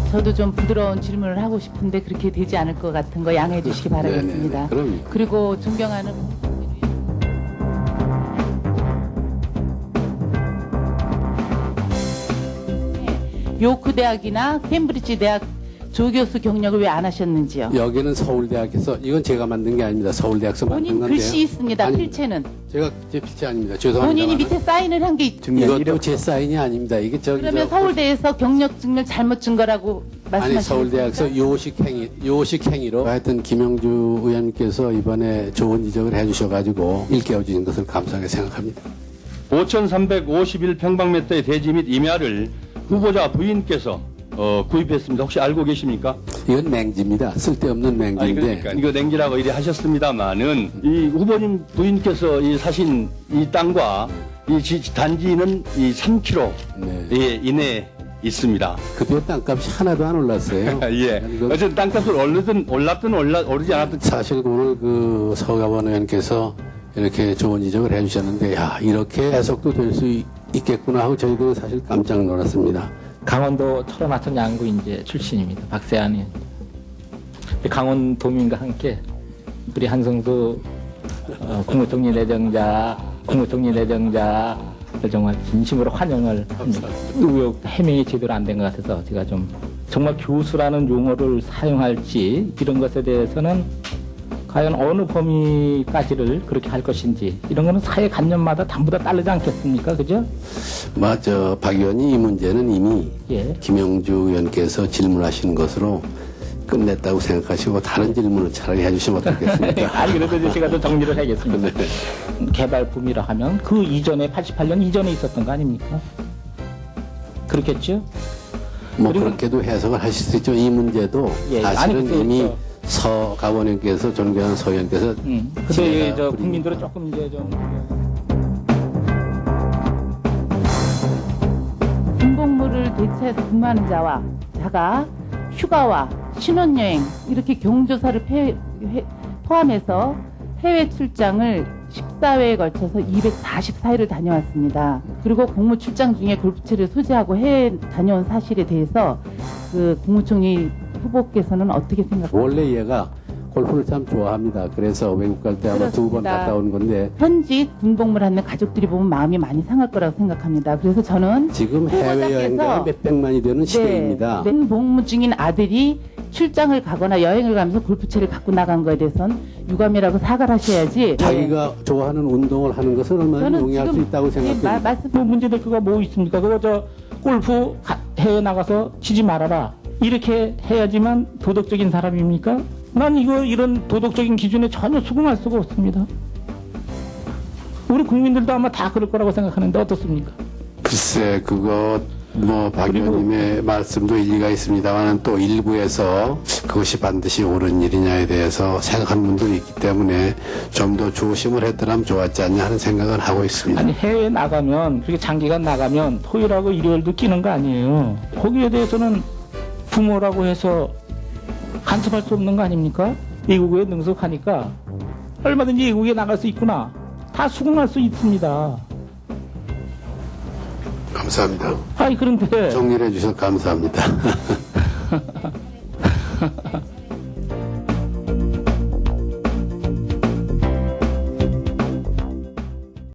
저도 좀 부드러운 질문을 하고 싶은데 그렇게 되지 않을 것 같은 거 양해해 주시기 바라겠습니다. 그럼요. 그리고 존경하는 요크 대학이나 케임브리지 대학 조교수 경력을 왜 안 하셨는지요? 여기는 서울대학에서, 이건 제가 만든 게 아닙니다. 서울대학에서 만든 본인 건데요. 글씨 있습니다. 아니, 필체는. 제가 제 필체 아닙니다. 죄송합니다. 본인이 밑에 사인을 한 게 이것도 제 사인이 아닙니다. 이게 저기 그러면 서울대에서 경력 증명 잘못 준 거라고 말씀하시는 아니, 서울대학에서 요식 행위로 하여튼 김영주 의원님께서 이번에 좋은 지적을 해주셔가지고 일깨워 주신 것을 감사하게 생각합니다. 5,351평방미터의 대지 및 임야를 후보자 부인께서 구입했습니다. 혹시 알고 계십니까? 이건 맹지입니다. 쓸데없는 맹지인데. 아니, 그러니까 이거 냉기라고 이래 하셨습니다만은 이 후보님 부인께서 이 사신 이 땅과 이 단지는 이 3km 네. 이내에 있습니다. 그때 땅값이 하나도 안 올랐어요. 예. 어쨌든 땅값을 올랐든 오르지 않았든 사실 오늘 그 서가원 의원께서 이렇게 좋은 지적을 해주셨는데, 야, 이렇게 해석도 될 수 있겠구나 하고 저희도 사실 깜짝 놀랐습니다. 강원도 철원하천 양구 인제 출신입니다. 박세안 의원. 강원도민과 함께 우리 한성수 국무총리 내정자 정말 진심으로 환영을 합니다. 의혹 해명이 제대로 안 된 것 같아서 제가 좀 정말 교수라는 용어를 사용할지 이런 것에 대해서는 과연 어느 범위까지를 그렇게 할 것인지 이런 거는 사회관념마다 전부 다 다르지 않겠습니까? 그죠? 맞아. 박 의원이 이 문제는 이미 예. 김영주 의원께서 질문하신 것으로 끝냈다고 생각하시고 다른 질문을 차라리 해주시면 어떻겠습니까? 아니 그래도 이제 제가 좀 정리를 하겠습니다. 네. 개발붐이라 하면 그 이전에 88년 이전에 있었던 거 아닙니까? 그렇겠죠? 뭐 그리고- 그렇게도 해석을 하실 수 있죠. 이 문제도 예, 사실은 아니, 이미 서가 의원님께서 존경하는 서 의원께서 근데 지혜가 저 부린- 국민들은 조금 이제 좀 군복무를 대체해서 근무하는 자가 휴가와 신혼여행 이렇게 경조사를 포함해서 해외 출장을 14회에 걸쳐서 244회를 다녀왔습니다. 그리고 공무 출장 중에 골프채를 소지하고 해외 다녀온 사실에 대해서 그 국무총리 후보께서는 어떻게 생각하세요? 원래 얘가 골프를 참 좋아합니다. 그래서 외국 갈 때 아마 2번 그렇습니다. 갔다 온 건데 현직 군복무를 하는 가족들이 보면 마음이 많이 상할 거라고 생각합니다. 그래서 저는 지금 해외여행자가 몇백만이 되는 시대입니다. 복무 중인 아들이 출장을 가거나 여행을 가면서 골프채를 갖고 나간 거에 대해서는 유감이라고 사과를 하셔야지. 자기가 좋아하는 운동을 하는 것은 얼마나 저는 용이할 수 지금 있다고 생각합니다. 말씀 뭐 문제될 거가 뭐 있습니까? 그거 저 골프 해외 나가서 치지 말아라. 이렇게 해야지만 도덕적인 사람입니까? 난 이런 도덕적인 기준에 전혀 수긍할 수가 없습니다. 우리 국민들도 아마 다 그럴 거라고 생각하는데 어떻습니까? 글쎄, 그거 뭐 박 의원님의 말씀도 일리가 있습니다만 또 일부에서 그것이 반드시 옳은 일이냐에 대해서 생각하는 분들이 있기 때문에 좀 더 조심을 했더라면 좋았지 않냐 하는 생각은 하고 있습니다. 아니 해외 나가면 그렇게 장기간 나가면 토요일하고 일요일도 끼는 거 아니에요. 거기에 대해서는 부모라고 해서 간섭할 수 없는 거 아닙니까? 외국에 능숙하니까 얼마든지 외국에 나갈 수 있구나. 다 수긍할 수 있습니다. 감사합니다. 아니 그런데 정리를 해주셔서 감사합니다.